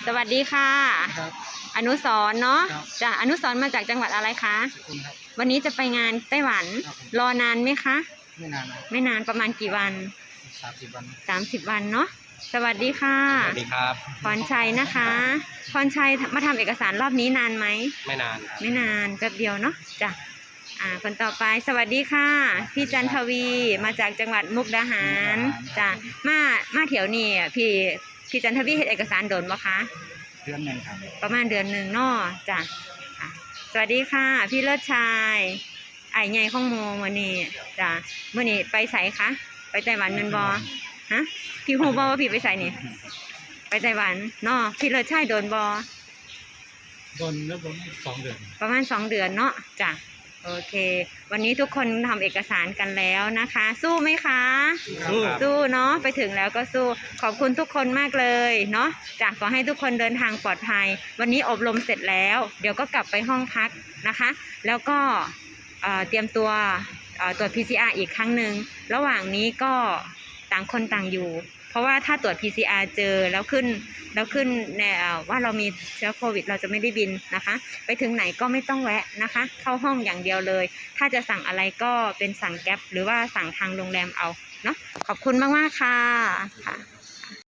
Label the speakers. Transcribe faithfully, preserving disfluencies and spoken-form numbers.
Speaker 1: สวัสดีค่ะ
Speaker 2: ครับ
Speaker 1: อนุสรณ์เนาะ
Speaker 2: ครับ
Speaker 1: จ้ะอนุสรณ์มาจากจังหวัดอะไรคะ
Speaker 2: สกุลครับ
Speaker 1: วันนี้จะไปงานไต้หวัน
Speaker 2: ครับผม
Speaker 1: รอนานไหมคะ
Speaker 2: ไม่นานนะ
Speaker 1: ไม่นานประมาณกี่วัน
Speaker 2: สามสิบวัน
Speaker 1: สามสิบวันเนาะสวัสดีค่ะ
Speaker 3: สวัสดีครับ
Speaker 1: พรชัยนะคะพรชัยมาทำเอกสารรอบนี้นานไหม
Speaker 3: ไม่นาน
Speaker 1: ไม่นานแป๊บเดียวเนาะจ้ะอ่าคนต่อไปสวัสดีค่ะพี่จันทวีมาจากจังหวัดมุกดาหารจ้ะมามาเถียวนี่อ่ะพี่พี่จันทวีเฮ็ดเอกสารโดนบ่คะ
Speaker 2: เดือนหนึ่งครับ
Speaker 1: ประมาณเดือนหนึ่งเนาะจ้ะอ่ะสวัสดีค่ะพี่เลิศชายไอ้ใหญ่ข้องโมวันนี้จ้ะวันนี้ไปใส่คะไปไต้หวันเงินบอฮะพี่ฮูบอว่าพี่ไปใส่นี่ไปไต้หวันเนาะพี่เลิศชายโดนบอ
Speaker 2: โดนแล้วผมสองเดือน
Speaker 1: ประมาณสองเดือนเนาะจ้ะโอเควันนี้ทุกคนทำเอกสารกันแล้วนะคะ สู้ไหมคะ
Speaker 2: สู้
Speaker 1: สู้เนาะไปถึงแล้วก็สู้ขอบคุณทุกคนมากเลยเนาะจ้ะขอให้ทุกคนเดินทางปลอดภัยวันนี้อบรมเสร็จแล้วเดี๋ยวก็กลับไปห้องพักนะคะ แล้วก็เอ่อเตรียมตัวเอ่อตรวจ พี ซี อาร์ อีกครั้งหนึ่งระหว่างนี้ก็ต่างคนต่างอยู่ เพราะว่าถ้าตรวจ พี ซี อาร์ เจอแล้วขึ้นแล้วขึ้นเนี่ยว่าเรามีเชื้อโควิดเราจะไม่ได้บินนะคะไปถึงไหนก็ไม่ต้องแวะนะคะเข้าห้องอย่างเดียวเลยถ้าจะสั่งอะไรก็เป็นสั่งแก๊ปหรือว่าสั่งทางโรงแรมเอาเนาะขอบคุณมากๆค่ะค่ะ